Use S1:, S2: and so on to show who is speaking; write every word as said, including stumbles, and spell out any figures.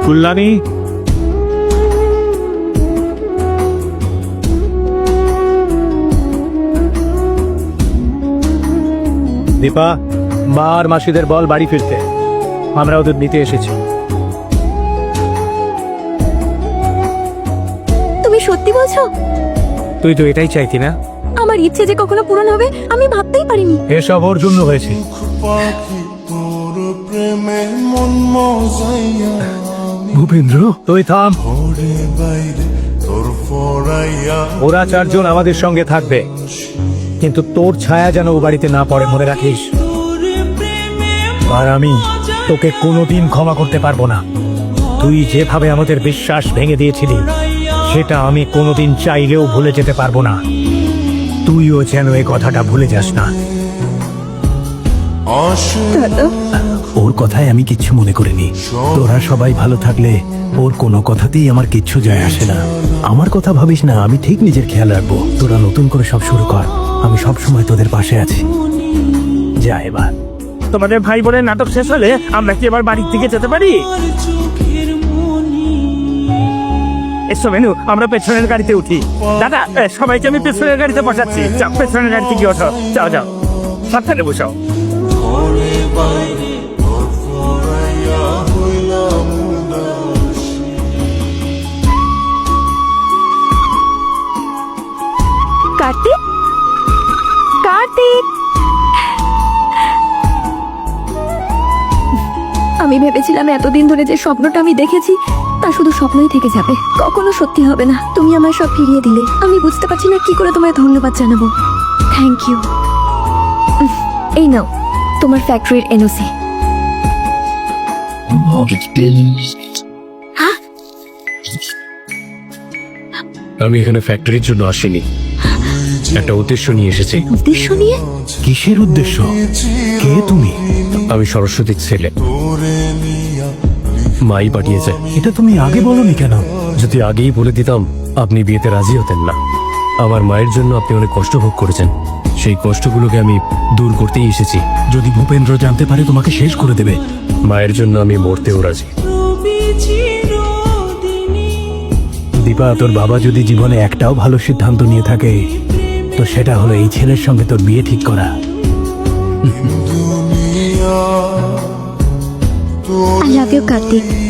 S1: কল্যাণী, দীপা, মা আর মাসিদের বল বাড়ি ফিরতে, আমরা ওদের নিতে এসেছি।
S2: তুমি সত্যি বলছো?
S1: তুই তো এটাই চাইতি না?
S2: আমার ইচ্ছে যে কখনো পূরণ হবে আমি ভাবতেই পারিনি।
S1: এসব ওর জন্য হয়েছে। ভূপেন্দ্র, তুই থাম। ওরা চারজন আমাদের সঙ্গে থাকবে, কিন্তু তোর ছায়া যেন ও বাড়িতে না পড়ে, মনে রাখিস। আর আমি তোকে কোনোদিন ক্ষমা করতে পারবো না। তুই যেভাবে আমাদের বিশ্বাস ভেঙে দিয়েছিলি, সেটা আমি কোনোদিন চাইলেও ভুলে যেতে পারবো না। তুইও যেন এই কথাটা ভুলে যাস না। ওর কথায় আমি কিচ্ছু মনে করিনি। তোরা সবাই ভালো থাকলে ওর কোনো কথাতেই আমার কিচ্ছু যায় আসে না। আমার কথা ভাবিস না, আমি ঠিক নিজের খেয়াল রাখবো। তোরা নতুন করে সব শুরু কর, আমি সব সময় তোদের পাশে আছি। যা এবার।
S3: তোমাদের ভাই বোনের নাটক শেষ হলে আমরা কি এবার বাড়ির দিকে যেতে পারি? এসো মেনু, আমরা পেছনের গাড়িতে উঠি। দাদা, এ, সবাইকে আমি পেছনের গাড়িতে বসাচ্ছি। যাও, পেছনের গাড়িতে গিয়ে ওঠো। যাও যাও, সাবধানে বসাও।
S2: কার্তিক, কার্তিক, আমি ভেবেছিলাম এতদিন ধরে যে স্বপ্নটা আমি দেখেছি তা শুধু স্বপ্নই থেকে যাবে, কখনো সত্যি হবে না। তুমি আমায় সব ফিরিয়ে দিলে। আমি বুঝতে পারছি না কি করে তোমায় ধন্যবাদ জানাবো। Thank you. এই নাও তোমার ফ্যাক্টরির এনওসি।
S1: আমি এখানে ফ্যাক্টরির জন্য আসিনি, একটা উদ্দেশ্য নিয়ে এসেছি।
S2: উদ্দেশ্য নিয়ে?
S1: কিসের উদ্দেশ্য? কে তুমি? আমি সরস্বতীর ছেলে, মাই পাঠিয়েছে। এটা তুমি আগে বলনি কেন? যদি আগেই বলে দিতাম আপনি বিয়েতে রাজি হতেন না। আমার মায়ের জন্য আপনি অনেক কষ্ট ভোগ করেছেন, সেই কষ্টগুলোকে আমি দূর করতেই এসেছি। যদি ভূপেন্দ্র জানতে পারে তোমাকে শেষ করে দেবে। মায়ের জন্য আমি মরতেও রাজি। দীপা, তোর বাবা যদি জীবনে একটাও ভালো সিদ্ধান্ত নিয়ে থাকে তো সেটা হলো এই ছেলের সঙ্গে তোর বিয়ে ঠিক করা।
S2: I love you Kartik.